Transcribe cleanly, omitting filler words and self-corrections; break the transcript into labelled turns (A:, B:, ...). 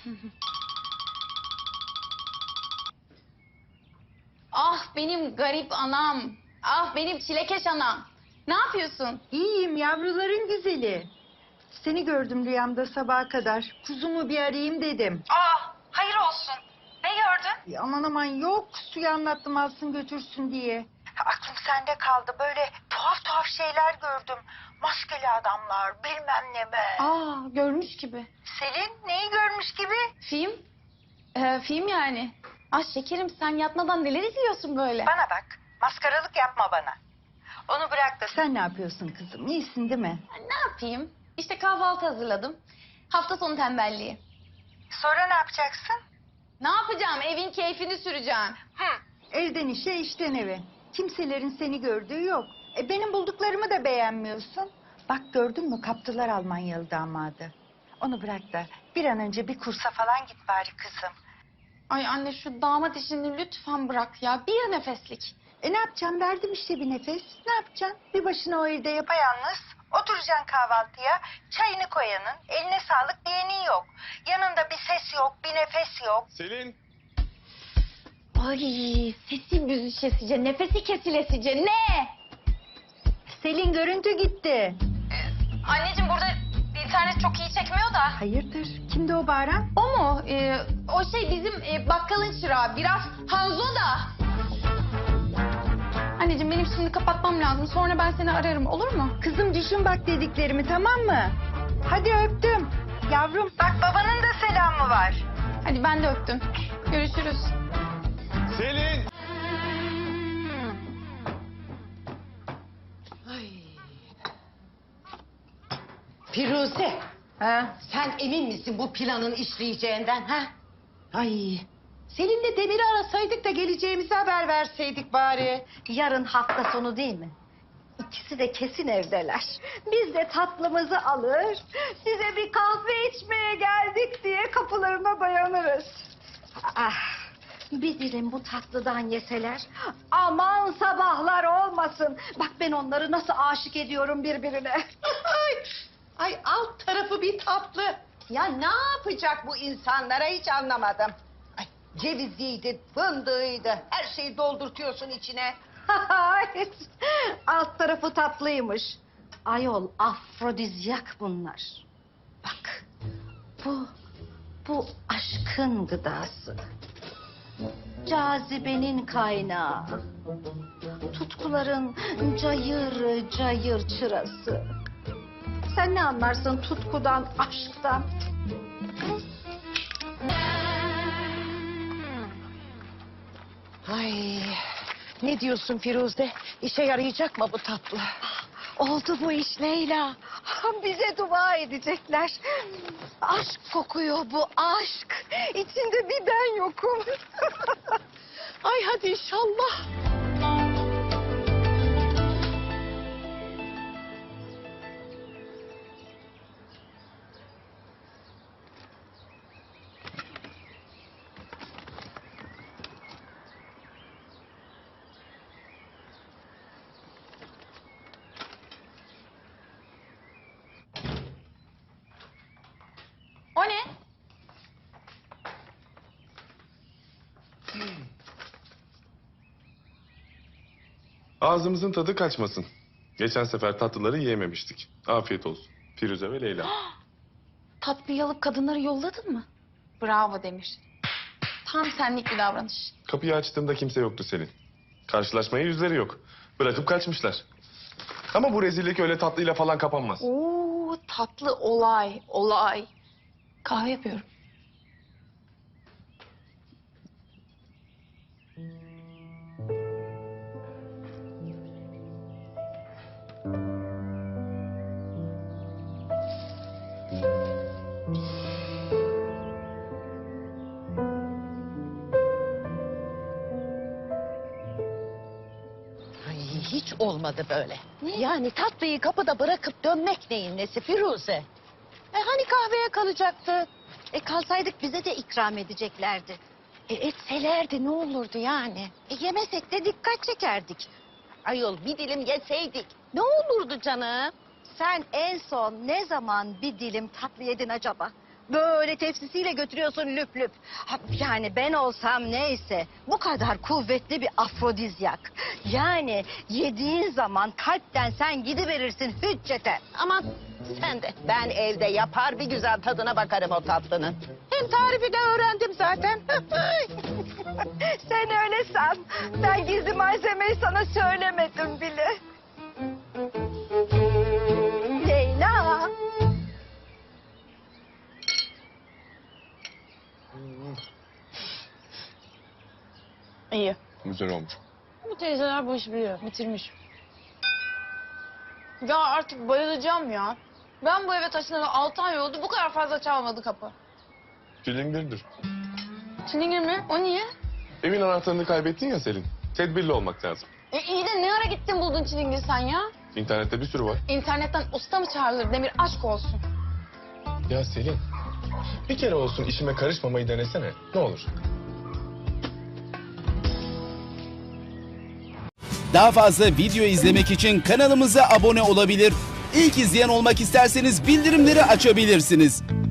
A: Ah benim garip anam. Ah benim çilekeş anam. Ne yapıyorsun?
B: İyiyim yavruların güzeli. Seni gördüm rüyamda sabaha kadar. Kuzumu bir arayayım dedim.
A: Hayır olsun. Ne gördün?
B: Aman aman yok, suya anlattım alsın götürsün diye. Aklım sende kaldı, böyle tuhaf tuhaf şeyler gördüm. Maskeli adamlar bilmem ne be.
A: Görmüş gibi.
B: Selin neyi görmüş gibi?
A: Film? Film yani. Ah şekerim sen yatmadan neler izliyorsun böyle?
B: Bana bak, maskaralık yapma bana. Onu bırak da sen ne yapıyorsun kızım, iyisin değil mi?
A: Ne yapayım? İşte kahvaltı hazırladım. Hafta sonu tembelliği.
B: Sonra ne yapacaksın?
A: Ne yapacağım? Evin keyfini süreceğim.
B: Evden işe, işten eve. Kimselerin seni gördüğü yok. Benim bulduklarımı da beğenmiyorsun. Bak gördün mü, kaptılar Almanyalı damadı. Onu bırak da bir an önce bir kursa falan git bari kızım.
A: Ay anne şu damat işini lütfen bırak ya. Bir nefeslik.
B: Ne yapacağım, verdim işte bir nefes. Ne yapacaksın? Bir başına o evde yapayalnız. Oturacaksın kahvaltıya, çayını koyanın, eline sağlık diyenin yok. Yanında bir ses yok, bir nefes yok.
C: Selin.
A: Ay sesi büzüşesice, nefesi kesilesice ne?
B: Selin görüntü gitti.
A: Anneciğim burada internet çok iyi çekmiyor da.
B: Hayırdır? Kimdi o bağıran?
A: O mu? O şey bizim bakkalın çırağı. Biraz Hanzo da. Anneciğim benim şimdi kapatmam lazım. Sonra ben seni ararım olur mu?
B: Kızım düşün bak dediklerimi, tamam mı? Hadi öptüm. Yavrum bak babanın da selamı var.
A: Hadi ben de öptüm. Görüşürüz.
C: Selin.
D: Firuze,
B: Ha?
D: sen emin misin bu planın işleyeceğinden ha? Ay, seninle Demir'i arasaydık da geleceğimizi haber verseydik bari.
E: Yarın hafta sonu değil mi? İkisi de kesin evdeler. Biz de tatlımızı alır, size bir kahve içmeye geldik diye kapılarına dayanırız. Ah, bir dilim bu tatlıdan yeseler, aman sabahlar olmasın. Bak ben onları nasıl aşık ediyorum birbirine.
D: Ay alt tarafı bir tatlı. Ya ne yapacak bu insanlara hiç anlamadım. Ay, ceviziydi, fındığıydı, her şeyi doldurtuyorsun içine.
E: Alt tarafı tatlıymış. Ayol afrodizyak bunlar. Bak bu aşkın gıdası. Cazibenin kaynağı. Tutkuların cayır cayır çırası. Sen ne anlarsın tutkudan, aşktan?
D: Ay, ne diyorsun Firuze? İşe yarayacak mı bu tatlı?
E: Oldu bu iş Leyla. Bize dua edecekler. Aşk kokuyor bu aşk. İçinde bir ben yokum.
D: Ay hadi inşallah.
A: O ne?
C: Ağzımızın tadı kaçmasın. Geçen sefer tatlıları yiyememiştik. Afiyet olsun. Firuze ve Leyla.
A: Tatlıyı alıp kadınları yolladın mı? Bravo Demir. Tam senlik bir davranış.
C: Kapıyı açtığımda kimse yoktu Selin. Karşılaşmaya yüzleri yok. Bırakıp kaçmışlar. Ama bu rezillik öyle tatlıyla falan kapanmaz.
A: Oo tatlı olay. Kahve yapıyorum.
D: Ay, hiç olmadı böyle. Yani tatlıyı kapıda bırakıp dönmek neyin nesi Firuze? Hani kahveye kalacaktı?
E: Kalsaydık bize de ikram edeceklerdi.
D: Etselerdi ne olurdu yani?
E: Yemesek de dikkat çekerdik.
D: Ayol bir dilim yeseydik ne olurdu canım?
E: Sen en son ne zaman bir dilim tatlı yedin acaba? Böyle tepsisiyle götürüyorsun lüp lüp. Yani ben olsam neyse bu kadar kuvvetli bir afrodizyak. Yani yediğin zaman kalpten sen gidiverirsin hüccete.
D: Aman sen de. Ben evde yapar bir güzel tadına bakarım o tatlının. Hem tarifi de öğrendim zaten.
E: Sen öyle san. Ben gizli malzemeyi sana söylemedim bile. Leyla.
A: İyi.
C: Güzel olmuş.
A: Bu teyzeler bu işi biliyor. Bitirmiş. Ya artık bayılacağım ya. Ben bu eve taşınalı 6 ay oldu. Bu kadar fazla çalmadı kapı.
C: Çilingirdir.
A: Çilingir mi? O niye?
C: Evin anahtarını kaybettin ya Selin. Tedbirli olmak lazım.
A: İyi de ne ara gittin buldun çilingir sen ya?
C: İnternette bir sürü var.
A: İnternetten usta mı çağrılır Demir? Aşk olsun.
C: Ya Selin, bir kere olsun işime karışmamayı denesene. Ne olur.
F: Daha fazla video izlemek için kanalımıza abone olabilir. İlk izleyen olmak isterseniz bildirimleri açabilirsiniz.